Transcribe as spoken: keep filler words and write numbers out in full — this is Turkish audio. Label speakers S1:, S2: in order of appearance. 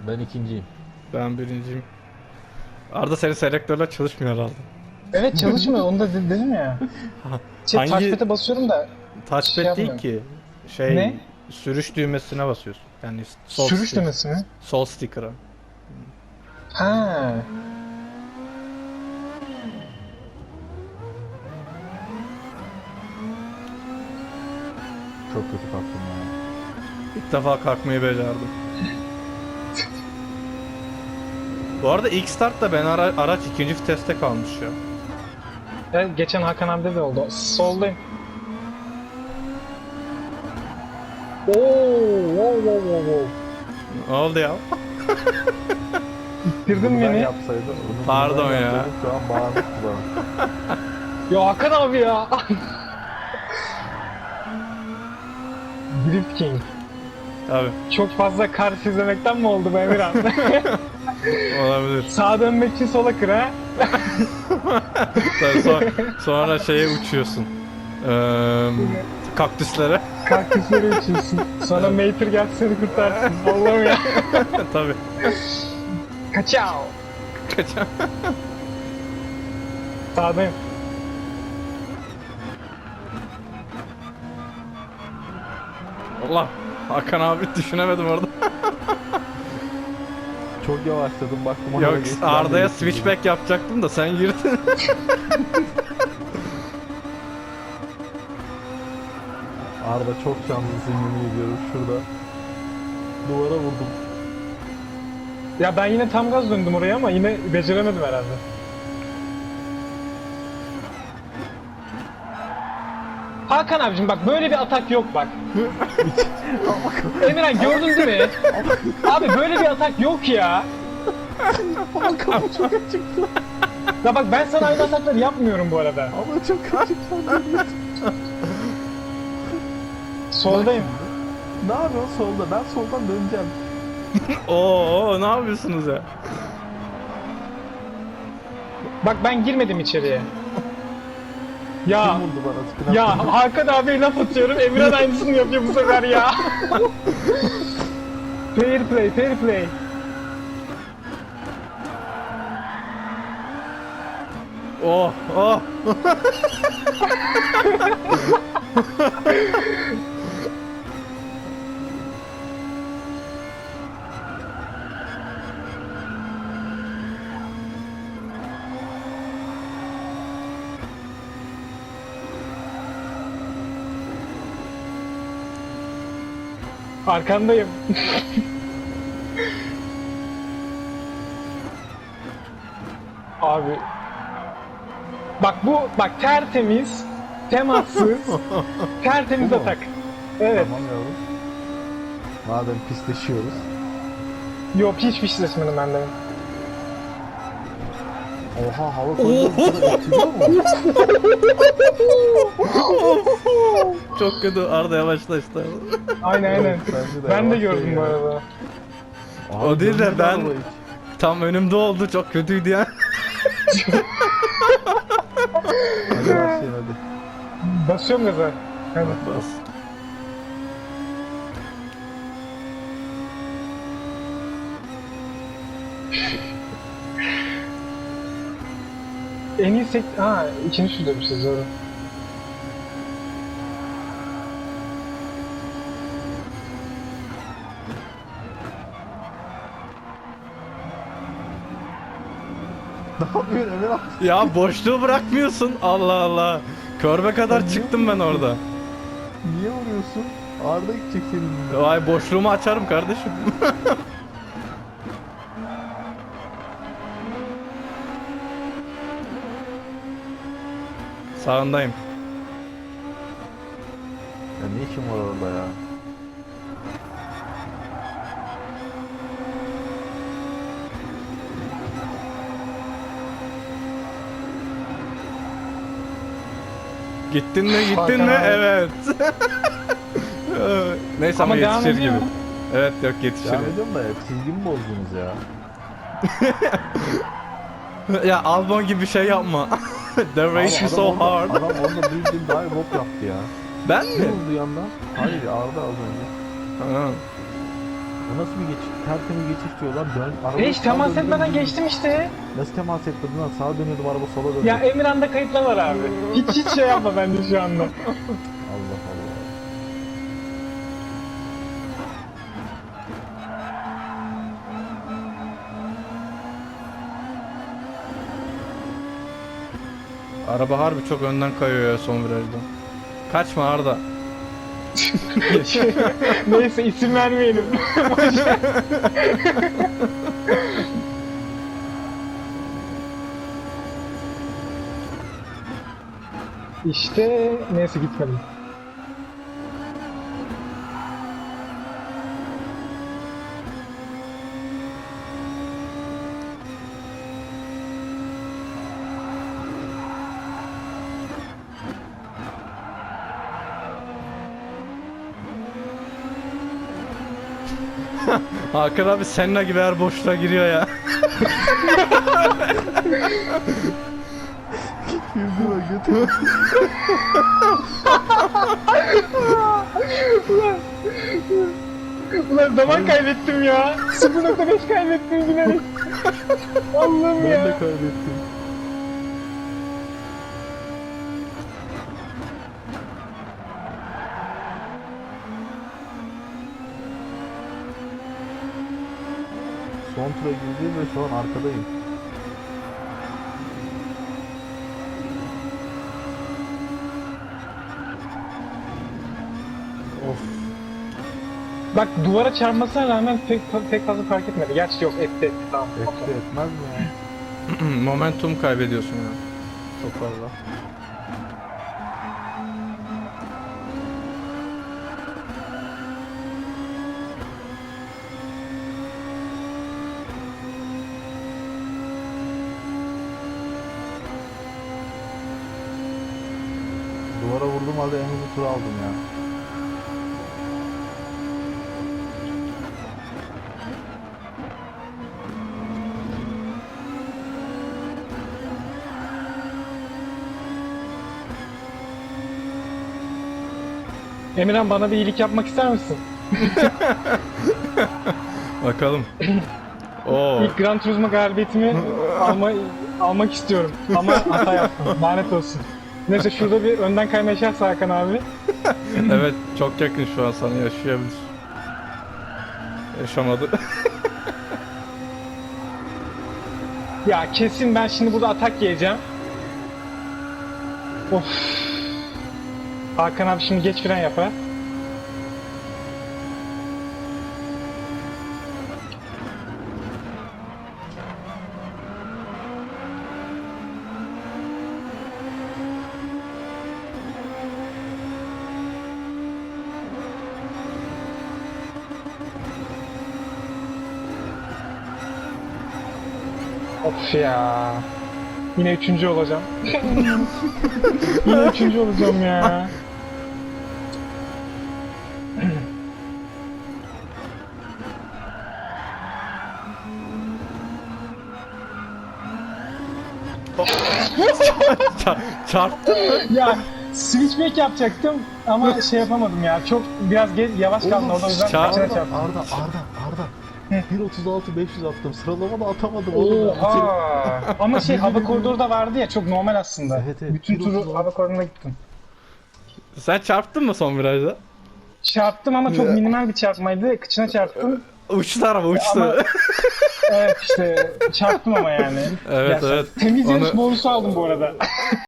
S1: Ben ikinciyim.
S2: Ben birinciyim. Arda senin selektörler çalışmıyor herhalde.
S3: Evet çalışmıyor onu da de- dedim ya. Şey,
S2: Hangi-
S3: touchpad'e basıyorum da
S2: Touchpad
S3: Şey
S2: değil
S3: yapmıyorum.
S2: ki. Şey,
S3: Ne?
S2: sürüş düğmesine basıyorsun. Yani sol
S3: sürüş
S2: stick-
S3: düğmesi mi?
S2: Sol sticker'a.
S3: Ha.
S1: Çok kötü kalktım ya.
S2: İlk defa kalkmayı becerdim. Bu arada ilk startta ben ara araç ikinci viteste kalmış ya.
S3: Evet, geçen Hakan abi de oldu. Soldayım. Oo, wow wow wow wow.
S2: Ne oldu ya?
S3: İttirdin
S1: Bunu ben
S3: beni.
S1: yapsaydım. bunu
S2: Pardon
S1: ben
S2: ya.
S1: yapsaydım Şu an bağırmıştı bana.
S3: Ya Hakan abi ya. Drift King.
S2: Abi
S3: Çok fazla kar izlemekten mi oldu bu Emirhan?
S2: olabilir.
S3: Sağa dönmek için sola kır ha.
S2: Tabii son- sonra şeye uçuyorsun. Ee, kaktüslere.
S3: Kaktüsleri uçuyorsun. Sonra Mater geldi seni kurtarsın. Allah'ım ya.
S2: Tabii.
S3: Kaçao.
S2: Kaçan.
S3: Sağdayım.
S2: Allah. Hakan abi düşünemedim orada.
S1: Çok yavaşladım baktım.
S2: Yok
S1: araba geçti, ben de
S2: Arda'ya
S1: geçtim.
S2: switchback yapacaktım da sen girdin.
S1: Arda çok şanslısın yemin ediyorum şurada. Duvara vurdum.
S3: Ya ben yine tam gaz döndüm oraya ama yine beceremedim herhalde. Hakan abicim bak böyle bir atak yok bak. Emirhan gördün değil mi? Abi böyle bir atak yok ya.
S1: Ama kapı çok açıktı.
S3: Ya bak ben sana aynı atakları yapmıyorum bu arada.
S1: Ama çok açıktı.
S3: Soldayım.
S1: Ne yapıyorsun solda? Ben soldan döneceğim.
S2: Oo ne yapıyorsunuz ya?
S3: Bak ben girmedim içeriye. Ya
S1: Kim vurdu bana? Spin
S3: ya
S1: attı.
S3: Hakan abiye laf atıyorum. Emirhan aynısını yapıyor bu sefer ya. Fair play, fair play.
S2: Oh oh.
S3: Arkandayım. Abi. Bak bu bak tertemiz, temassız, tertemiz
S1: Bu mu?
S3: atak. Evet.
S1: Tamam yavrum. Madem pisleşiyoruz.
S3: Yok hiç fişleşmedim ben de.
S1: Oha hava koyduğu etkiliyor mu?
S2: Çok kötü Arda yavaşla işte.
S3: Aynen aynen.
S1: Evet, bence de
S3: Ben de
S1: yavaş
S3: gördüm
S1: şey
S3: bu
S1: ya.
S3: arada.
S1: Abi
S2: O değil de
S1: döndü
S2: ben-
S1: araba hiç.
S2: Tam önümde oldu çok kötüydü ya.
S1: Hadi başlayın hadi.
S3: Basıyorum gaza. Hadi.
S2: Bas.
S3: En iyi sek... Ha ikinci şurada bir şey doğru.
S1: Ne yapıyorsun Emir abi?
S2: Ya boşluğu bırakmıyorsun. Allah Allah. Körbe kadar çıktım ben orada.
S1: Niye vuruyorsun? Arda gidecek seninle.
S2: Vay boşluğumu açarım kardeşim. Sağındayım.
S1: Ya ne işin var orada ya?
S2: Gittin mi gittin
S3: Hakan
S2: mi?
S3: abi.
S2: Evet. Neyse ama,
S3: Ama devam
S2: yetişir
S3: ediyor.
S2: gibi. Evet yok yetişir.
S1: Devam ediyorum da hep çizgimi bozdunuz ya.
S2: Ya Albon gibi bir şey yapma. The race is
S1: Adam
S2: so
S1: orada-
S2: hard.
S1: Adam orada bildiğin dive hop yaptı ya.
S2: Ben
S1: Ne
S2: mi?
S1: oldu yandan? Hayır Arda az önce.
S2: Ha.
S1: Bu nasıl bir geçiş? Tertemiz geçiş diyor lan. Dön.
S3: E
S1: Arabayı
S3: hiç
S1: sağa
S3: temas
S1: döndürdüm,
S3: etmeden
S1: döndürdüm.
S3: geçtim işte.
S1: Nasıl temas etmedin lan? Sağa dönüyordum, araba sola döndü.
S3: Ya Emirhan'da kayıtlar var abi. Hiç hiç şey yapma bende şu anda.
S1: Allah Allah.
S2: Araba harbi çok önden kayıyor ya son virajda. Kaçma Arda.
S3: Neyse isim vermeyelim. İşte neyse gitmedim.
S2: Hakan abi Senna gibi her boşluğa giriyor ya.
S1: Girdi bak götür.
S3: Ulan zaman kaybettim ya. sıfır nokta beş kaybettim bilerek. Allah'ım
S1: Ben
S3: ya.
S1: de kaybettim. Son tura girdim ve şu an arkadayım. Of.
S3: Bak duvara çarpmasına rağmen pek, pek fazla fark etmedi. Gerçi yok etti etti tamam.
S1: Etti etmez mi ya?
S2: Momentum kaybediyorsun ya.
S1: Çok fazla. Duvara vurdum halde en hızlı turu aldım ya.
S3: Emirhan bana bir iyilik yapmak ister misin?
S2: Bakalım. Oo.
S3: İlk Gran Turismo galibiyetimi alma, almak istiyorum. Ama hata yaptım. Lanet olsun. Neyse şurada bir önden kayma yaşarsa Hakan abi.
S2: Evet çok yakın şu an sana yaşayabilir. Yaşamadı.
S3: Ya kesin ben şimdi burada atak yiyeceğim. Of. Hakan abi şimdi geç fren yapar. Of ya. Yine üçüncü olacağım. Yine üçüncü olacağım ya.
S2: Ça- çarptın mı?
S3: Ya switchback yapacaktım ama şey yapamadım ya. Çok biraz ge- yavaş kaldım orada o yüzden
S2: çağır-
S3: kaçına
S1: Arda,
S3: çarptım.
S1: Arda, Arda, Arda. bir otuz altı beş yüz attım. Sıralamada atamadım oğlum. ben.
S3: Oha! Ama şey hava koridoru da vardı ya çok normal aslında.
S1: Evet, evet.
S3: Bütün
S1: Bir otuz
S3: turu
S1: altı.
S3: hava koridoruna gittim.
S2: Sen çarptın mı son virajda?
S3: Çarptım ama çok minimal bir çarpmaydı. Kıçına çarptım.
S2: Uçtu araba uçtu.
S3: Ama- Evet işte çarptım ama yani.
S2: Evet,
S3: Ya,
S2: evet.
S3: Temiz yarış
S2: Onu-
S3: bonusu aldım bu arada.